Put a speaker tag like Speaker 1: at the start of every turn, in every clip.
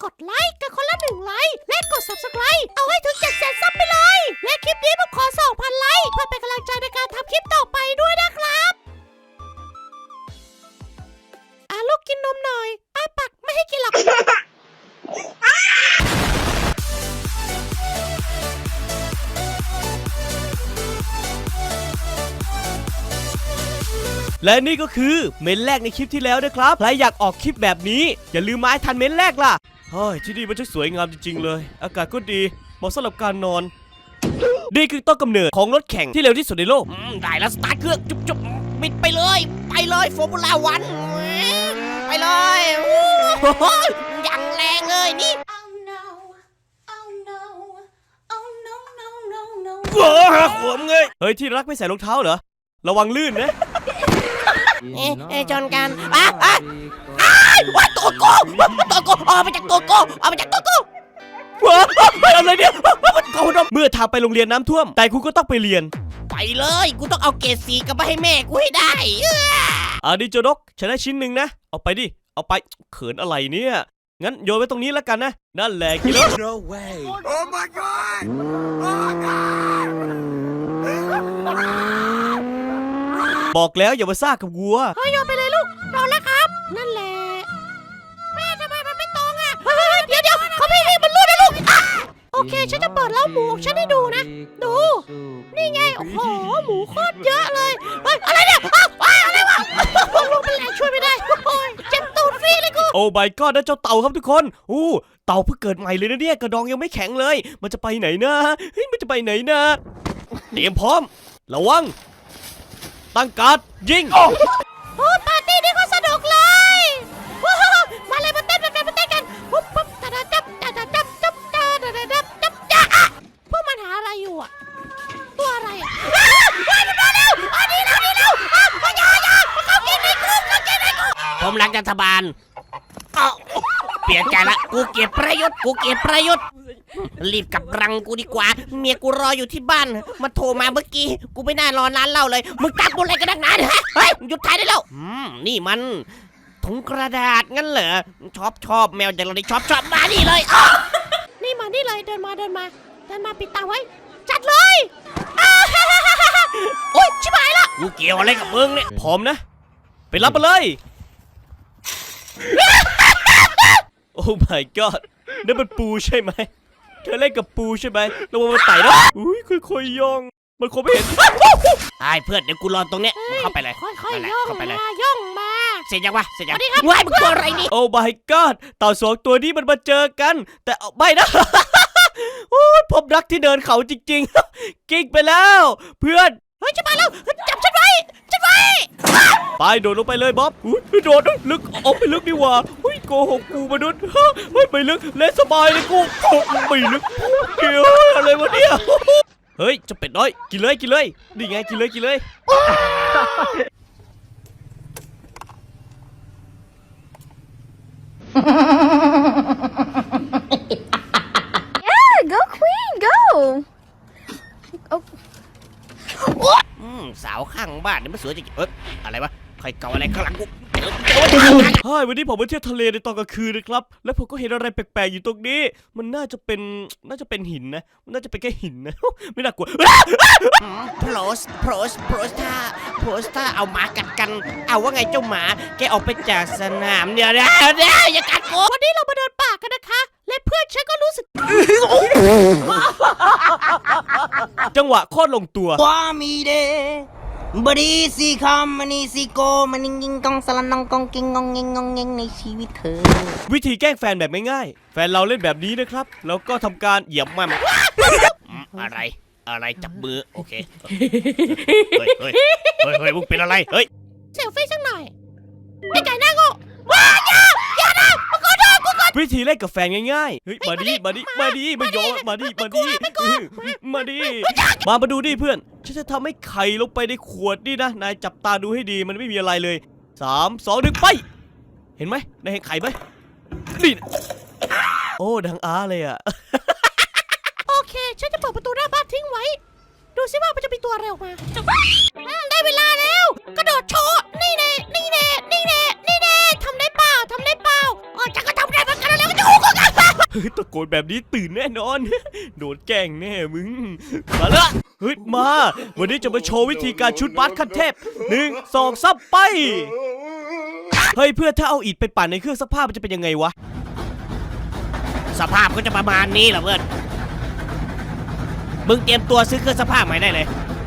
Speaker 1: กดไลค์กันคนละ1 ไลค์และกด Subscribe เอาให้ถึง700,000 ซับไปเลยและคลิปนี้ผมขอ 2,000 ไลค์เพื่อเป็นกำลังใจในการทำคลิปต่อไปด้วยนะครับลูกกินนมหน่อยปักไม่ให้กินหรอก
Speaker 2: และนี่ก็คือเมนแรกในคลิปที่แล้วนะครับใครอยากออกคลิปแบบนี้อย่าลืมมาให้ทันเมนแรกล่ะเฮ้ยที่นี่มันช่างสวยงามจริงๆเลยอากาศก็ดีเหมาะสำหรับการนอนนี่คือต้นกำเนิดของรถแข่งที่เร็วที่สุดในโลก
Speaker 3: ได้แล้วสตาร์ทเครื่องจุ๊บบิดไปเลยฟอร์มูล่าวันไปเลยอย่างแรงเลยนี่
Speaker 2: ขวมเงยเฮ้ยที่รักไม่ใส่รองเท้าเหรอระวังลื่นนะ
Speaker 3: ชนกันว่าตัวโกออกมาจากตัวโก
Speaker 2: อะไรเนี่ยมันโกนเมื่อทางไปโรงเรียนน้ำท่วมแต่คุณก็ต้องไปเรียน
Speaker 3: ไปเลยกูต้องเอาเกรด4กลับมาให้แม่กูให้ได้
Speaker 2: ดิโจดกฉันได้ชิ้นหนึ่งนะเอาไปดิเอาไปเขินอะไรเนี่ยงั้นโยนไว้ตรงนี้แล้วกันนะนั่นแหละกิโล
Speaker 4: No way Oh my god Oh god
Speaker 2: บอกแล้วอย่ามาซ่ากับวัว
Speaker 1: โยนไปเลยลูกโดนแล้วครับนั่นแหละแม่ทำไมมันไม่ตรงอ่ะเดี๋ยวเขาไม่ให้มันรูดนะลูกโอเคฉันจะเปิดเล้าหมูฉันให้ดูนะดูนี่ไงโอ้โหหมูโคตรเยอะเลยเฮ้ยอะไรเนี่ยอะไรวะลูกมันแรงช่วยไม่ได้โอ้ยเจ็บตูดฟรีเลยกู
Speaker 2: โอ้ใบก็นั่นเจ้าเต่าครับทุกคนเต่าเพิ่งเกิดใหม่เลยนะเนี่ยกระดองยังไม่แข็งเลยมันจะไปไหนนะเฮ้ยมันจะไปไหนนะเตรียมพร้อมระวังตั้งการ์ดยิง
Speaker 1: ปาร์ตี้นี่ก็สนุกเลยมาเลยมาเต้นกันปุ๊บจับพวกมันหาอะไรอยู่อ่ะตัวอะไรอ่ะมันมาเร็วดีแล้วอย่าเขากินในกู
Speaker 3: ผมรักรัฐบาลเปลี่ยนใจละกูเกลียดประยุทธ์รีบกลับรังกูดีกว่าเมียกูรออยู่ที่บ้านมาโทรมาเมื่อกี้กูไม่น่ารอนานเล่าเลยมึงตักกูอะไรกันนักหนาฮะเฮ้ยหยุดถ่ายได้แล้วนี่มันถุงกระดาษงั้นเหรอชอบแมวอย่างเราได้ชอบมานี่เลย
Speaker 1: นี่มานี่เลยเดินมาปิดตาไว้จัดเลยโอ๊ยชิบหายละ
Speaker 3: กูเกี่ยวอะไรกับมึงเนี่ย
Speaker 2: พร้อมนะไปรับมาเลยโอ้ my god นั่นมันปูใช่ไหมเธอเล่นกับปูใช่ไหมระวังมันไต่นะอุ้ยค่อยๆย่องมันคงไม่เห็น
Speaker 3: ไอ้เพื่อนเดี๋ยวกูรอตรงเนี้ยเข้าไปเลย
Speaker 1: ค่อยๆย่องมา
Speaker 3: เสร็จยังว้ายมึงตัวอะไรนี่
Speaker 2: โอ้ my god เต่า2 ตัวนี้มันมาเจอกันแต่ไม่นะโอ้ยพบรักที่เดินเขาจริงๆกิ๊กไปแล้วเพื่อน
Speaker 1: เฮ้ยจะมาแล้วจับฉันไว้
Speaker 2: ไปโดดลงไปเลยบ๊อบโดดลึกออกไปลึกดีกว่าโกหกกูมนุษย์ไม่ลึกเล่นสบายเลยกูไม่ลึกเกี่ยวอะไรวะเนี่ยเฮ้ยจะเป็ดน้อยกินเลยนี่ไงกินเลย
Speaker 5: Yeah go queen go
Speaker 3: สาวข้างบ้านนี่มันสวยจริงอะไรวะใครเก่าอะไรข้างหลังกู
Speaker 2: วันนี้ผมไปเที่ยวทะเลในตอนกลางคืนนะครับแล้วผมก็เห็นอะไรแปลกๆอยู่ตรงนี้มันน่าจะเป็นหินนะมันน่าจะเป็นแค่หินนะไม่น่ากลัว
Speaker 3: โพสท่าเอาหมากัดกันเอาว่าไงเจ้าหมาแกออกไปจากสนามเดี๋ยวอย่ากัดกู
Speaker 1: วันนี้เรามาเดินป่ากันนะคะและเพื่อนฉันก็รู้สึก
Speaker 2: จังหวะโคตรลงตัว
Speaker 6: ว่ามีเดบดีสีคำมันนี่สีโกมันงิงกองสลันนองกองกิงงงเงงในชีวิตเธอ
Speaker 2: วิธีแกล้งแฟนแบบง่ายๆแฟนเราเล่นแบบนี้นะครับแล้วก็ทำการเหยียบมัน
Speaker 3: อะไรจับมือโอเคเฮ้ยมึงเป็นอะไรเฮ้ย
Speaker 1: เซลฟี่สักหน่อยไอ้ไก่หน้าโง่อย่านะมึงขอโทษกูก่อน
Speaker 2: วิธีเล่นกับแฟนง่ายๆเฮ้ยมาดิไม่ยอมมาดูดิเพื่อนฉันจะทำให้ไข่ลงไปในขวดนี่นะนายจับตาดูให้ดีมันไม่มีอะไรเลย3 2 1ไปเห็นไหมนายเห็นไข่ไหมนี่โอ้ดังอ้าเลยอ่ะ
Speaker 1: โอเคฉันจะเปิดประตูหน้าบ้านทิ้งไว้ดูซิว่ามันจะมีตัวอะไรออกมาได้เวลาแล้วกระโดดโชว์นี่แน่ทำได้เปล่าอ๋อจะก็ทำได้เหมือนกันแล้วก็จะโอ้โห
Speaker 2: ตะโกนแบบนี้ตื่นแน่นอน โดนแกล้งแน่มึง มาละเฮ้ยมา วันนี้จะมาโชว์วิธีการชุดบาสขั้นเทพ1 2 3ไป เฮ้ยเพื่อนถ้าเอาอิฐไปปั่นในเครื่องซักผ้ามันจะเป็นยังไงวะ
Speaker 3: สภาพก็จะประมาณนี้แหละเพื่อนมึงเตรียมตัวซื้อเครื่องซักผ้าใหม่ได้เลย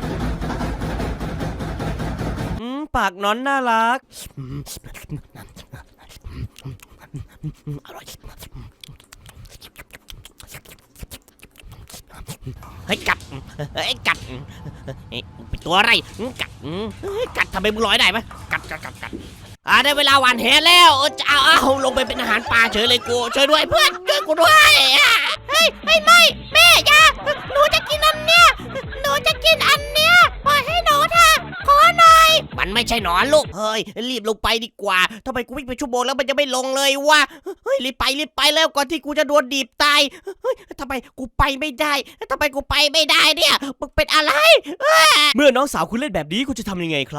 Speaker 2: ปากน้อนน่ารัก
Speaker 3: อร่อยเฮ้ยกัดเฮ้ยกัดเฮ้ยเป็นตัวอะไรกัดกัดทำไมมึงลอยได้ไหมกัดได้เวลาหวานแหแล้วจะเอาลงไปเป็นอาหารปลาเฉยเลยกูช่วยด้วยเพื่อนช่วยกูด้วย
Speaker 1: เฮ้ยไม่แม่อย่าหนูจะกินอันเนี้ยหนูจะกินอันเนี้ยปล่อยให้หนูเถอะขอหน่อย
Speaker 3: มันไม่ใช่หนอนลูกเฮ้ยรีบลงไปดีกว่าทำไมกูวิ่งไปชั่วโมงแล้วมันจะไม่ลงเลยวะเฮ้ยรีบไปแล้วก่อนที่กูจะโดนดีบตายเฮ้ยทำไมกูไปไม่ได้เนี่ยมึงเป็นอะไร
Speaker 2: เมื่อน้องสาวคุณเล่นแบบนี้คุณจะทำยังไงครับ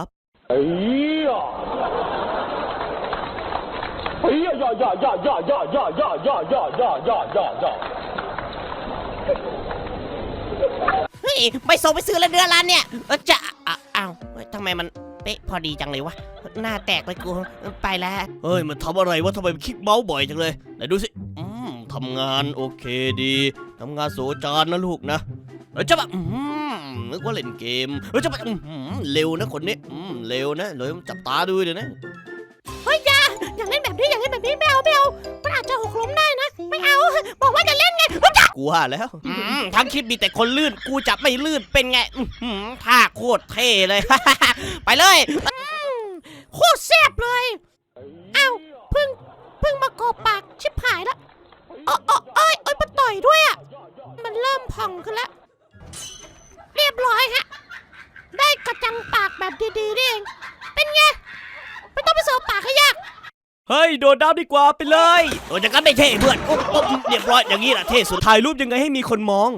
Speaker 3: เฮ้ยไม่ส่งไปซื้อแล้วเนื้อร้านเนี่ยจะอ้าวทำไมมันเป๊ะพอดีจังเลยวะหน้าแตกเลยกูไปแล้ว
Speaker 2: เฮ้ยมันทำอะไรวะทำไมมันคลิกเมาส์บ่อยจังเลยไหนดูสิทำงานโอเคดีทำงานโสจานนะลูกนะจะแบบนึกว่าเล่นเกมจะแบบเร็วนะคนนี้เร็วนะเลยจับตาดูเดี๋ยวนะ
Speaker 1: เฮ้ยอย่าเล่นแบบนี้ไม่เอามันอาจจะหกล้มได้นะไม่เอาบอกว่าจะเล่นไง
Speaker 2: กูว่าแล้ว
Speaker 3: ทั้งคลิปมีแต่คนลื่นกูจับไม่ลื่นเป็นไงท่าโคตรเท่เลย ไปเลย
Speaker 1: โคตรแซ่บเลยเอ้าเพิ่งมากรอบปากชิบหายแล้วเอ้ยมันต่อยด้วยอ่ะมันเริ่มพองขึ้นแล้วเรียบร้อยฮะได้กระจังปากแบบดีๆนี่เองเป็นไงไม่ต้องไปเสิร์ฟปากให้ยาก
Speaker 2: เฮ้ยโดดน้ำดีกว่าไปเลย
Speaker 3: โดนจะกันไม่เท่เพื่อนเรียบร้อยอย่างนี้แหละเท่สุด
Speaker 2: ถ่ายรูปยังไงให้มีคนมอง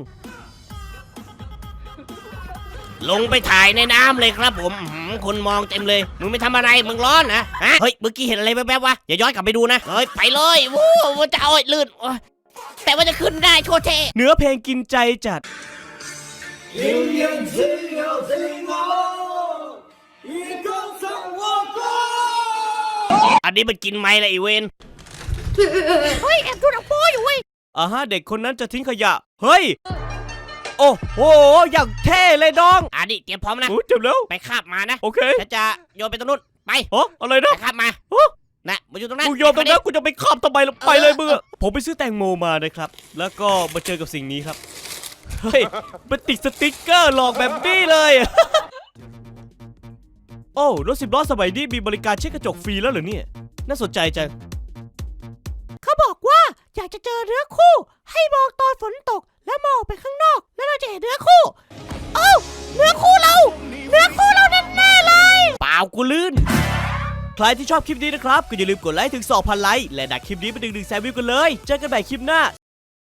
Speaker 3: ลงไปถ่ายในน้ำเลยครับผมคนมองเต็มเลยมึงไม่ทำอะไรมึงร้อนนะฮะเฮ้ยเมื่อกี้เห็นอะไรแวบๆวะอย่าย้อนกลับไปดูนะเฮ้ยไปเลยวู้ว่าจะเอาลื่นแต่ว่าจะขึ้นได้โคตรเท่
Speaker 2: เนื้อเพลงกินใจจัด
Speaker 3: อันนี้มันกินไหมล่ะไอเวน
Speaker 1: เฮ้ยแอบดูหนังโป๊อยู่เว้ย
Speaker 2: เด็กคนนั้นจะทิ้งขยะ เฮ้ย โอ้โห อย่างเท่เลยน้อง
Speaker 3: อันนี้เตรียมพร้อมนะ
Speaker 2: โอ้เจ็บแล้ว
Speaker 3: ไปคาบมานะ
Speaker 2: โอเค
Speaker 3: ฉันจะโยนไปตรงนู้นไป
Speaker 2: อะไรนะ
Speaker 3: ไปคาบมานะมาอยู่ตรงนั้น
Speaker 2: กูโยนตรงนั้นกูจะไปขับทำไมล่ะไปเลยมึงอะผมไปซื้อแตงโมมานะครับ แล้วก็มาเจอกับสิ่งนี้ครับ เฮ้ย มันติดสติ๊กเกอร์หลอกแบบนี้เลย โอ้รถ10 ล้อสมัยนี้มีบริการเช็คกระจกฟรีแล้วเหรอเนี่ย น่าสนใจจัง
Speaker 1: เขาบอกว่าอยากจะเจอเนื้อคู่ ให้มองตอนฝนตกแล้วมองออกไปข้างนอก แล้วเราจะเห็นเนื้อคู่เอ้าเนื้อคู่เราแน่ๆเลย
Speaker 3: เปล่ากูลื่น
Speaker 2: ใครที่ชอบคลิปนี้นะครับก็อย่าลืมกดไลค์ถึง 2,000 ไลค์และดักคลิปนี้ไปดึง100,000 วิวกันเลย เจอกันใหม่คลิปหน้า